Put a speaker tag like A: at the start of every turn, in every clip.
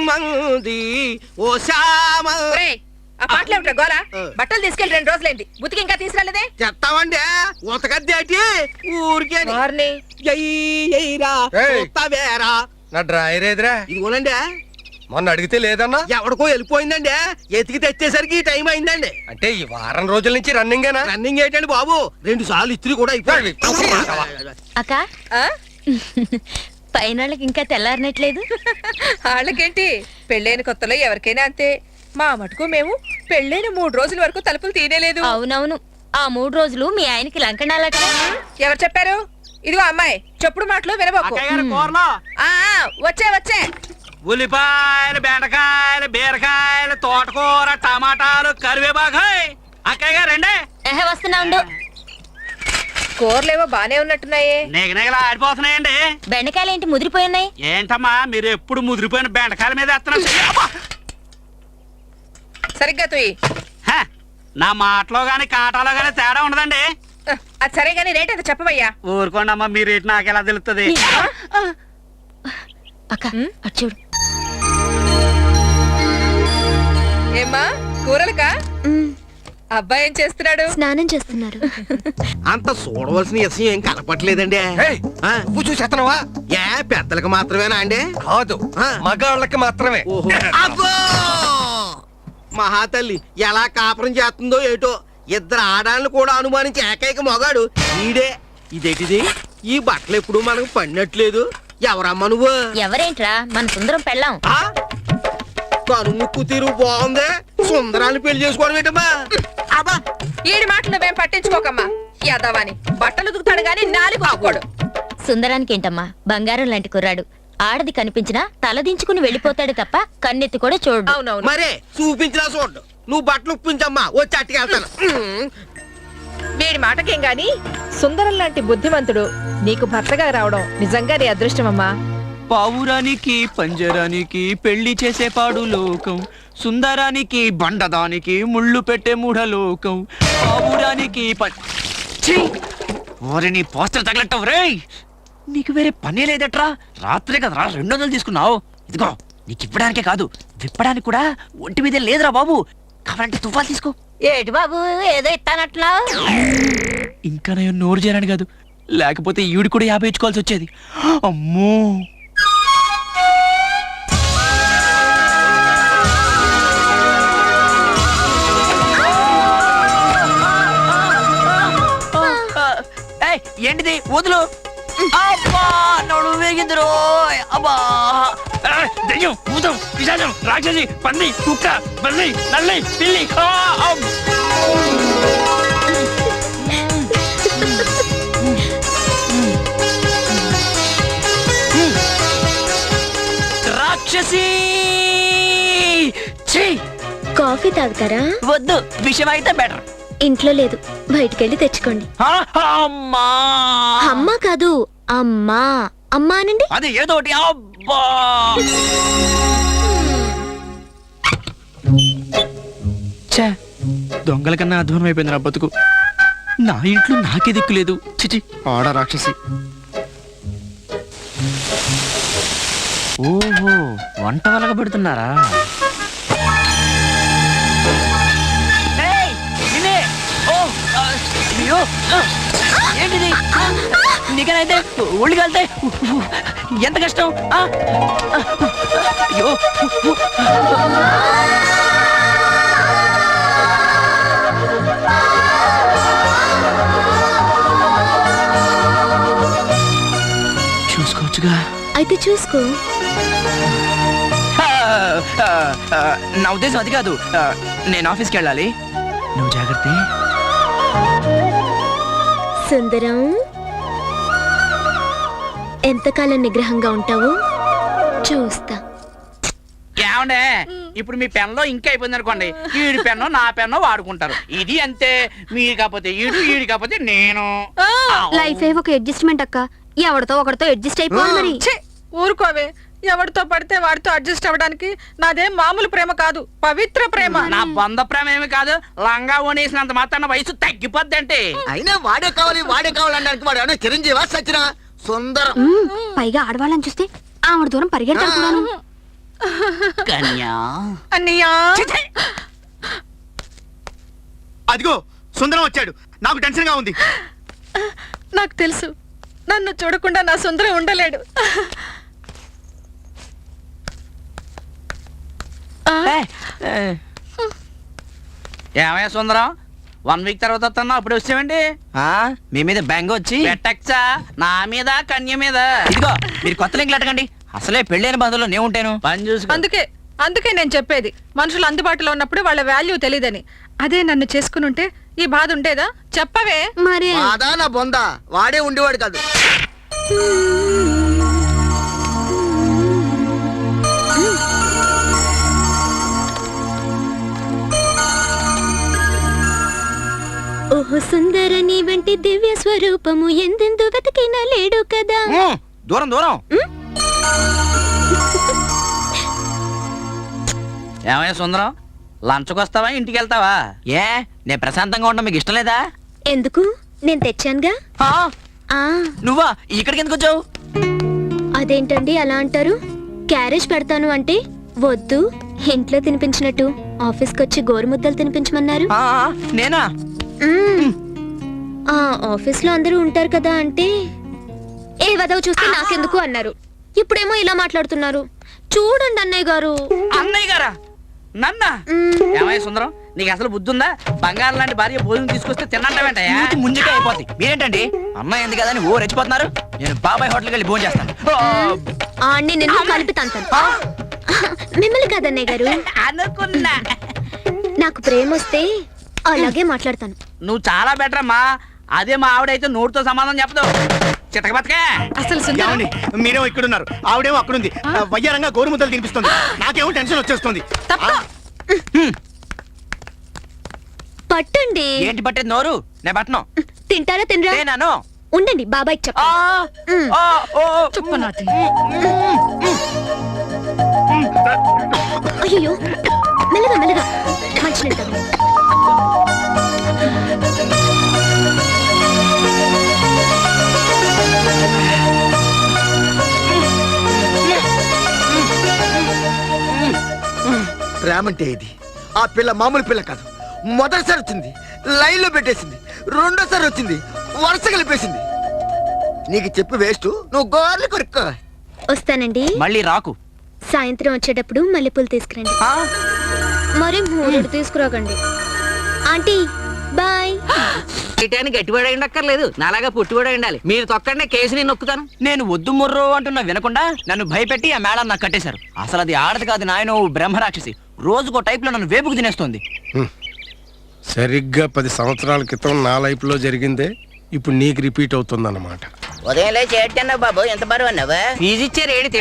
A: మంది ఓ శ్యామ.
B: ఆ పాటలు ఏమిటా గోలా? బట్టలు తీసుకెళ్లి 2 రోజులైంది, బుతికి ఇంకా తీసుకురాలేదే?
A: చెప్తామండి ఉతకద్దేటి ఊరికే
C: నా డ్రాయర్ ఏదిరా?
A: ఇదిగోనండి.
C: మొన్న అడిగితే లేదన్నా.
A: ఎవడికో వెళ్ళిపోయిందండి, ఎతికి తెచ్చేసరికి ఈ టైం అయిందండి.
C: అంటే ఈ వారం రోజుల నుంచి రన్నింగేనా?
A: రన్నింగ్ ఏంటండి బాబు, 2 సార్లు ఇస్త్రీ కూడా అయిపోయింది.
D: అక్క పైనళ్ళకి ఇంకా తెల్లారినట్లేదు.
B: వాళ్ళకేంటి, పెళ్ళైన కొత్తలో ఎవరికైనా అంతే. మా మటుకు మేము పెళ్ళైన 3 రోజుల వరకు తలుపులు తీయలేదు.
D: అవునవును, ఆ 3 రోజులు మీ ఆయనకి లంకణాలట.
B: ఎవరు చెప్పారు? ఇదిగో అమ్మాయి, చెప్పుడు మాటలు వినబోకు. వచ్చే
E: ఉల్లిపాయలు, బెండకాయలు, బీరకాయలు, తోటకూర, టమాటాలు, కరివేపాకాయ్. అక్కయ్య గారు రండి.
D: వస్తున్నా ఉండు.
B: కూరలేవో బానే ఉన్నట్టున్నాయే.
E: నిగనిగలా ఆడిపోతున్నాయండి.
D: బెండకాయలు ఏంటి ముదిరిపోయినాయి?
E: ఏంటమ్మా మీరు ఎప్పుడు ముదిరిపోయిన బెండకాయల మీద వేస్తున్నారు?
B: సరిగ్గా తుయ్యి.
E: నా మాటలో గాని కాటాలో గాని తేడా ఉండదండి.
B: అది సరే గానీ రేట్ అయితే చెప్పవయ్యా.
E: ఊరుకోండి అమ్మా, మీ రేట్ నాకు ఎలా తెలుస్తుంది?
D: అక్క అటు చూడు.
B: ఏమ్మా కూరలకా? అబ్బాయి ఏం చేస్తున్నాడు?
D: స్నానం చేస్తున్నారు.
A: అంత చూడవలసిన విషయం ఏం కనపట్లేదండి.
C: నువ్వు చూసేస్తున్నావా?
A: ఏ పెద్దలకు మాత్రమేనా అండి?
C: కాదు, మగాళ్ళకి మాత్రమే.
A: అబ్బో మహాతల్లి ఎలా కాపురం చేస్తుందో ఏటో. 2 ఆడాలను కూడా అనుమానించి ఏకైక మొగాడు ఈడే. ఇదేటిది, ఈ బట్టలు ఎప్పుడు మనకు పడినట్లేదు. ఎవరమ్మా నువ్వు?
D: ఎవరేంట్రా, మన సుందరం పెళ్ళాం.
A: కనుముక్కు తీరు బాగుంది, సుందరాన్ని పెళ్లి చేసుకోవడం ఏంటమ్మా?
B: అబ్బా ఈడి మాటలు మేము పట్టించుకోకమ్మా. యాదవాని బట్టలు దుకుతాడు గాని నాలుగు ఆకోడు.
D: సుందరానికి ఏంటమ్మా, బంగారం లాంటి కుర్రాడు. ఆడది కనిపించినా తలదించుకుని వెళ్ళిపోతాడు తప్ప కన్నెత్తి కూడా చూడు.
B: అవునవును,
A: మరే చూపించినా చూడు. నువ్వు బట్టలు ఉప్పించమ్మా, వచ్చి అట్టుకెళ్తాను.
B: వీడి మాటకేం గాని సుందరం లాంటి బుద్ధిమంతుడు నీకు భర్తగా రావడం నిజంగా నీ అదృష్టమమ్మా.
E: పావురానికి పంజరానికి పెళ్లి చేసే పాడు లోకం, సుందరానికి బండదానికి ముళ్ళు పెట్టే మూఢలోకం, పావురానికి ఓరిని పోస్టర్ తగలట్టవు రేయ్. నీకు వేరే పనే లేదట్రా? రాత్రే కదరా 200 తీసుకున్నావు. ఇదిగో నీకు ఇవ్వడానికే కాదు, విప్పడానికి కూడా ఒంటి మీద లేదురా బాబు. కావాలంటే తుఫాలు తీసుకో.
D: ఏటి బాబు ఏదో ఇస్తానట్లా?
E: ఇంకా నేను నోరు చేరాను కాదు, లేకపోతే ఈవిడ కూడా 50 ఇచ్చుకోవాల్సి వచ్చేది. అమ్మో ఏంటిది? వదులు. అబ్బా నడు వేగిందిరో. అబ్బా దెయ్యం, భూతం, పిశాచం, రాక్షసి, పంది, కుక్క, బల్లి, నల్లి, పిల్లి. రాక్షసి.
D: కాఫీ తాగుతారా?
E: వద్దు, విషయం అయితే బెటర్.
D: ఇంట్లో లేదు, బయటికెళ్ళి తెచ్చుకోండి.
E: అమ్మా
D: అమ్మా కాదు, అమ్మా. అమ్మా అనండి.
E: అది ఏదోటి. అబ్బా దొంగల కన్నా అధ్వానం అయిపోయింది నా బతుకు. నా ఇంట్లో నాకే దిక్కు లేదు. చిచి ఆడ రాక్షసి. ఓహో వంట వలగ పెడుతున్నారా? ఏంటిది? నీకనైతే ఒళ్ళు కలితే ఎంత కష్టం. అయ్యో చూసుకోవచ్చుగా.
D: అయితే చూసుకో.
E: నా ఉద్దేశం అది కాదు, నేను ఆఫీస్కి వెళ్ళాలి. నువ్వు జాగ్రత్త.
D: సుందరం, ఎంతకాలం నిగ్రహంగా ఉంటావు చూస్తా.
E: ఏమండే, ఇప్పుడు మీ పెన్లో ఇంకా అయిపోయింది అనుకోండి, ఈడి పెన్ను నా పెన్ను వాడుకుంటారు. ఇది అంతే. మీరు కాకపోతే ఈడు, ఈడు కాకపోతే నేను.
D: లైఫ్ ఒక అడ్జస్ట్మెంట్ అక్క. ఎవరితో ఒకరితో అడ్జస్ట్ అయిపోవాలి మరి.
B: ఊరుకోవే, ఎవరితో పడితే వాడితో అడ్జస్ట్ అవ్వడానికి నాదేం మామూలు ప్రేమ కాదు, పవిత్ర ప్రేమ.
E: నా బంధ ప్రేమ ఏమి కాదు, లంగా ఓనేసినంత మాత్రాన వయసు తగ్గిపోద్ది అంటే.
A: అయినా వాడే కావాలనడానికి వాడు ఏమన్నా చిరంజీవా సచ్చినా? సుందరం
D: పైగా ఆడవాళ్ళని చూస్తే ఆవిడ దూరం పరిగెడతాడు కూడాను.
E: కన్యా
B: అన్నయ్యా
F: అదిగో సుందరం వచ్చాడు. నాకు టెన్షన్ గా ఉంది.
B: నాకు తెలుసు నన్ను చూడకుండా నా సుందరం ఉండలేడు.
E: ఏమయ్యా సుందరం 1 వీక్ తర్వాత వస్తున్నా అప్పుడు వచ్చామండి.
G: మీ మీద బ్యాంగ్ వచ్చి
E: పెట్టచ్చా నా మీద కన్య మీద.
G: ఇదిగో మీరు కొత్త లింకులు అడగండి. అసలే పెళ్ళైన బంధువులో నేను ఉంటాను.
E: పని చూసుకో.
B: అందుకే నేను చెప్పేది మనుషులు అందుబాటులో ఉన్నప్పుడు వాళ్ళ వాల్యూ తెలియదని. అదే నన్ను చేసుకుని ఉంటే ఈ బాధ ఉండేదా? చెప్పవే.
D: మరి
A: బాధ నా బొంద వాడే ఉండేవాడు కాదు.
D: ఓహో సుందర నీ వంటి దివ్య స్వరూపము ఎందెందు వెతికినా లేడు కదా.
G: దూరం దూరం.
E: ఏమయ్యా సుందరం లంచ్కి వస్తావా ఇంటికి వెళ్తావా?
G: ఏ నేను ప్రశాంతంగా ఉండడం మీకు ఇష్టం లేదా?
D: ఎందుకు? నేను తెచ్చానుగా.
G: నువ్వా ఇక్కడికి ఎందుకు వచ్చావు?
D: అదేంటండి అలా అంటారు? క్యారేజ్ పెడతాను అంటే వద్దు, ఇంట్లో తినిపించినట్టు ఆఫీస్కి వచ్చి గోరుముద్దలు తినిపించమన్నారు.
G: నేనా?
D: ఆ ఆఫీస్ లో అందరూ ఉంటారు కదా అంటే ఏ వదవ చూస్తే నాకెందుకు అన్నారు. ఇప్పుడేమో ఇలా మాట్లాడుతున్నారు. చూడండి అన్నయ్య గారు.
E: అన్నయ్య గారా? నన్న ఏమయ్య సుందరం నీకు అసలు బుద్ధి ఉందా? బంగారం లాంటి భార్య భోజనం తీసుకొస్తే తిన్నంటావేంటయ్యా?
G: ముందుకే అయిపోతాయి. మీరేంటండి అమ్మాయి ఎందుకు కదా అని ఓ రెచ్చిపోతున్నారు. నేను బాబాయ్ హోటల్కి వెళ్ళి భోజనం చేస్తాను.
D: ఆడిని నిన్ను కలిపి తంతాను. మిమ్మల్ని కాదన్నయ్య గారు.
E: అనుకున్నా.
D: నాకు ప్రేమ వస్తే అలాగే మాట్లాడతాను.
E: నువ్వు చాలా బెటర్ అమ్మా. అదే మా ఆవిడైతే నోటితో సమాధానం చెప్పదు. చితక బతకే.
B: అసలు సుందరం
F: ఏమండి మీరేమో ఇక్కడున్నారు, ఆవిడేమో అక్కడుంది. వయ్యారంగా గోరుముద్దలు తినిపిస్తుంది. నాకేమో టెన్షన్ వచ్చేస్తుంది.
D: పట్టండి.
G: ఏంటి పట్టేది నోరు? నేను పట్టను.
D: తింటారా తినరా?
G: నేనాను.
D: ఉండండి బాబాయ్కి చెప్ప.
B: చెప్పు నాటి.
D: అయ్యో మెల్లగా మెల్లగా మంచినీళ్ళు తాగు.
A: ప్రేమంటే ఇది. ఆ పిల్ల మామూలు పిల్ల కాదు. మొదటిసారి వచ్చింది లైన్ లో పెట్టేసింది, రెండోసారి వచ్చింది వరుస కలిపేసింది. నీకు చెప్పి వేస్ట్, నువ్వు గోర్లు కొరుక్కో.
D: వస్తానండి.
G: మళ్ళీ రాకు.
D: సాయంత్రం వచ్చేటప్పుడు మల్లెపూలు తీసుకురండి. మరి మూడు తీసుకురాకండి. Aunty bye.
H: గట్టివాడ ఉండక్కర్లేదు, నాలాగా పుట్టివాడ ఉండాలి. మీరు తొక్కండి, కేసు నేను నొక్కుతాను.
G: నేను వద్దు ముర్రో అంటున్నా వినకుండా నన్ను భయపెట్టి ఆ మేడం నాకు కట్టేశారు. అసలు అది ఆడది కాదు నాయన, బ్రహ్మరాక్షసి. రోజుకో టైప్ లో నన్ను వేపుకు తినేస్తుంది.
I: సరిగ్గా 10 సంవత్సరాల క్రితం నా లైఫ్ లో జరిగిందే ఇప్పుడు నీకు రిపీట్ అవుతుంది అన్నమాట.
H: ఉదయం లేచి ఏడ్చన్నావు బాబు, ఎంత బరువు అన్నావు? ఫీజు ఇచ్చారు ఏడు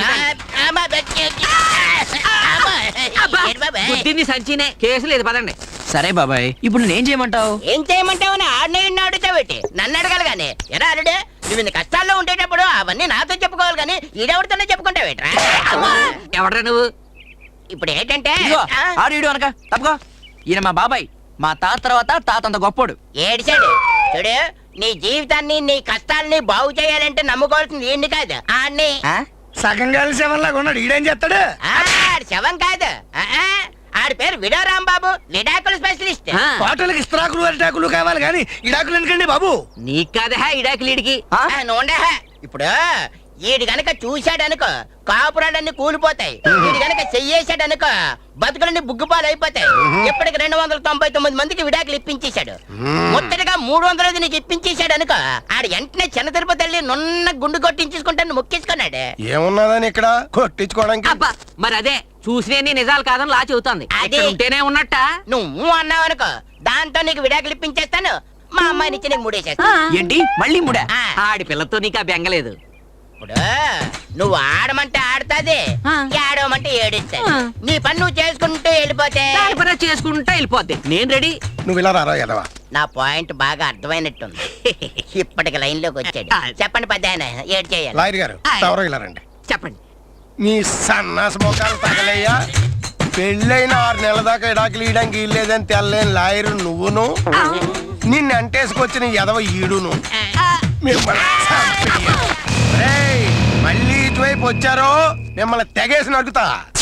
H: బుద్ధిని సంచినే, కేసు లేదు పదండి.
G: సరే బాబాయ్, ఇప్పుడు నేనేం చేయమంటావు?
H: ఏం చేయమంటావు? ఆడిని అడుగుతావేటి? నన్ను అడగాలి గానీ. ఎరా అరుడే, నువ్వు ఇన్ని కష్టాల్లో ఉండేటప్పుడు అవన్నీ నాతో చెప్పుకోవాలి కానీ ఈడెవరితోనే చెప్పుకుంటావేట్రా? ఎవడరా నువ్వు? ఇప్పుడు ఏంటంటే
G: ఆడు ఈడు అనక తప్పుకో. ఈయన మా బాబాయ్, మా తాత తర్వాత తాత అంత గొప్పోడు.
H: ఏడిచాడు చూడు. నీ జీవితాన్ని నీ కష్టాలని బాగు చేయాలంటే నమ్ముకోవాల్సింది ఏంటి కాదు ఆడిని.
F: సగం కలిసి శవంలాగా ఉన్నాడు. ఈడేం చేస్తాడు?
H: ఆడి శవం కాదు, ఆడి పేరు విడో రాంబాబు, విడాకుల స్పెషలిస్ట్.
F: హోటల్కి ఇస్త్రాకులు అరిటాకులు కావాలి కానీ ఇడాకులు ఎందుకండి బాబు?
H: నీకు కాదా ఇడాకులీడికి? నూనె ఇప్పుడు ఈడు గనక చూశాడనుకో కాపురాలన్నీ కూలిపోతాయి. ఈడు గనక చెయ్యేశాడనుకో బతుకులన్నీ బుగ్గుపాలు అయిపోతాయి. ఇప్పటికి 299 మందికి విడాకులు ఇప్పించేశాడు. మొత్తటిగా 300 నీకు ఇప్పించేశాడు అనుకో, ఆడు వెంటనే చిన్న తిరుపతి వెళ్ళి నున్న గుండు కొట్టించుకుంటాను మొక్కించుకున్నాడు.
I: ఏమున్నదని ఇక్కడ కొట్టించుకోవడానికి?
H: మరి అదే చూసినే నిజాలు కాదని లా చెబుతోంది. అదే ఉంటేనే ఉన్నట్ట. నువ్వు అన్నావు అనుకో, దాంతో నీకు విడాకులు ఇప్పించేస్తాను. మా అమ్మాయిని ఇచ్చి నీకు ముడేసేస్తా.
G: ఏంటి మళ్ళీ ముడా?
H: ఆడి పిల్లతో నీకు ఆ బెంగలేదు. ఇప్పుడు నువ్వు ఆడమంటే ఆడుతాది, ఏడవమంటే ఏడుస్తాది. నీ పని నువ్వు చేసుకుంటూ వెళ్ళిపోతే చేసుకుంటూ వెళ్ళిపోతే నేను రెడీ.
I: నువ్వు ఇలా రారా ఎదవా?
H: నా పాయింట్ బాగా అర్థమైనట్టుంది. ఇప్పటికి లైన్ లోకి వచ్చాడు. చెప్పండి పెద్దాయన, ఏడు చేయాలి?
I: లాయర్ గారు ఎవరో ఇలా రండి.
H: చెప్పండి.
I: మీ సన్నాస మొఖాలు తగలయ్యా. పెళ్ళైన 6 నెలల దాకా ఇడాకులు ఇయడానికి ఇల్లేదని తెల్లేని లాయరు నువ్వును, నిన్ను అంటేసుకొచ్చిన ఎదవ ఈడును. మిమ్మల్ని చంపేయ. మళ్ళీ ఇటువైపు వచ్చారో మిమ్మల్ని తెగేసి నడుగుతా.